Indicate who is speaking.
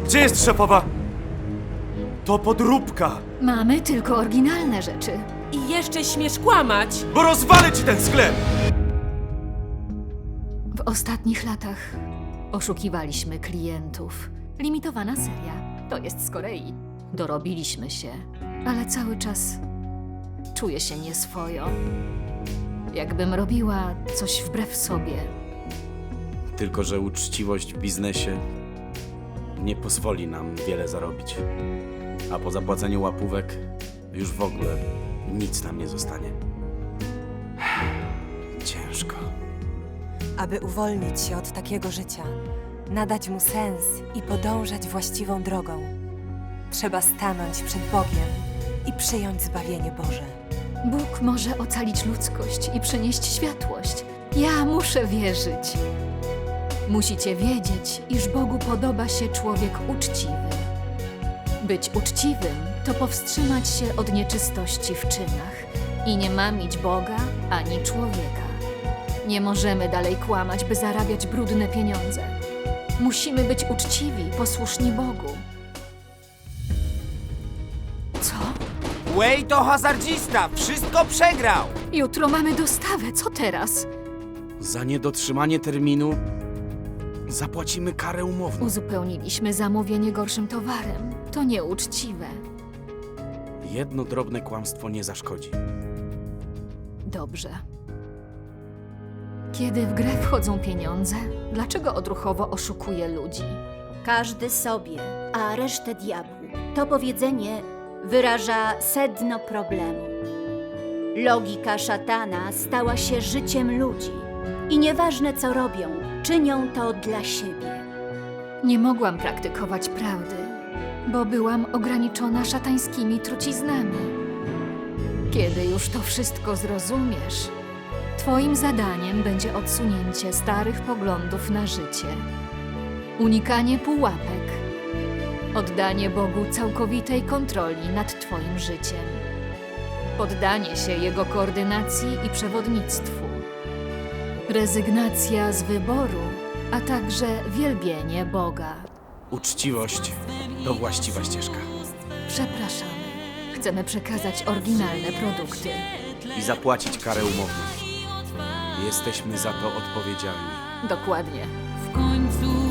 Speaker 1: Gdzie jest szefowa? To podróbka,
Speaker 2: Mamy tylko oryginalne rzeczy.
Speaker 3: I jeszcze śmiesz kłamać!
Speaker 1: bo rozwalę ci ten sklep!
Speaker 2: W ostatnich latach oszukiwaliśmy klientów. Limitowana seria. To jest z Korei. Dorobiliśmy się, ale cały czas czuję się nieswojo. Jakbym robiła coś wbrew sobie.
Speaker 4: Tylko że uczciwość w biznesie nie pozwoli nam wiele zarobić. A po zapłaceniu łapówek już w ogóle nic nam nie zostanie. Ciężko.
Speaker 5: Aby uwolnić się od takiego życia, nadać mu sens i podążać właściwą drogą, trzeba stanąć przed Bogiem i przyjąć zbawienie Boże.
Speaker 2: Bóg może ocalić ludzkość i przynieść światłość. Ja muszę wierzyć. Musicie wiedzieć, iż Bogu podoba się człowiek uczciwy. Być uczciwym to powstrzymać się od nieczystości w czynach i nie mamić Boga ani człowieka. Nie możemy dalej kłamać, by zarabiać brudne pieniądze. Musimy być uczciwi, posłuszni Bogu. Co?
Speaker 6: Way to hazardzista! Wszystko przegrał!
Speaker 2: Jutro mamy dostawę, co teraz?
Speaker 4: Za niedotrzymanie terminu zapłacimy karę umowną.
Speaker 2: Uzupełniliśmy zamówienie gorszym towarem. To nieuczciwe.
Speaker 4: Jedno drobne kłamstwo nie zaszkodzi.
Speaker 2: Dobrze. Kiedy w grę wchodzą pieniądze, dlaczego odruchowo oszukuje ludzi?
Speaker 7: Każdy sobie, a resztę diabłu. To powiedzenie wyraża sedno problemu. Logika szatana stała się życiem ludzi. I nieważne co robią, czynią to dla siebie.
Speaker 2: Nie mogłam praktykować prawdy, bo byłam ograniczona szatańskimi truciznami. Kiedy już to wszystko zrozumiesz, twoim zadaniem będzie odsunięcie starych poglądów na życie, unikanie pułapek, oddanie Bogu całkowitej kontroli nad twoim życiem, poddanie się Jego koordynacji i przewodnictwu, rezygnacja z wyboru, a także wielbienie Boga.
Speaker 4: Uczciwość to właściwa ścieżka.
Speaker 2: Przepraszamy. Chcemy przekazać oryginalne produkty.
Speaker 4: I zapłacić karę umowną. Jesteśmy za to odpowiedzialni.
Speaker 2: Dokładnie.
Speaker 3: W końcu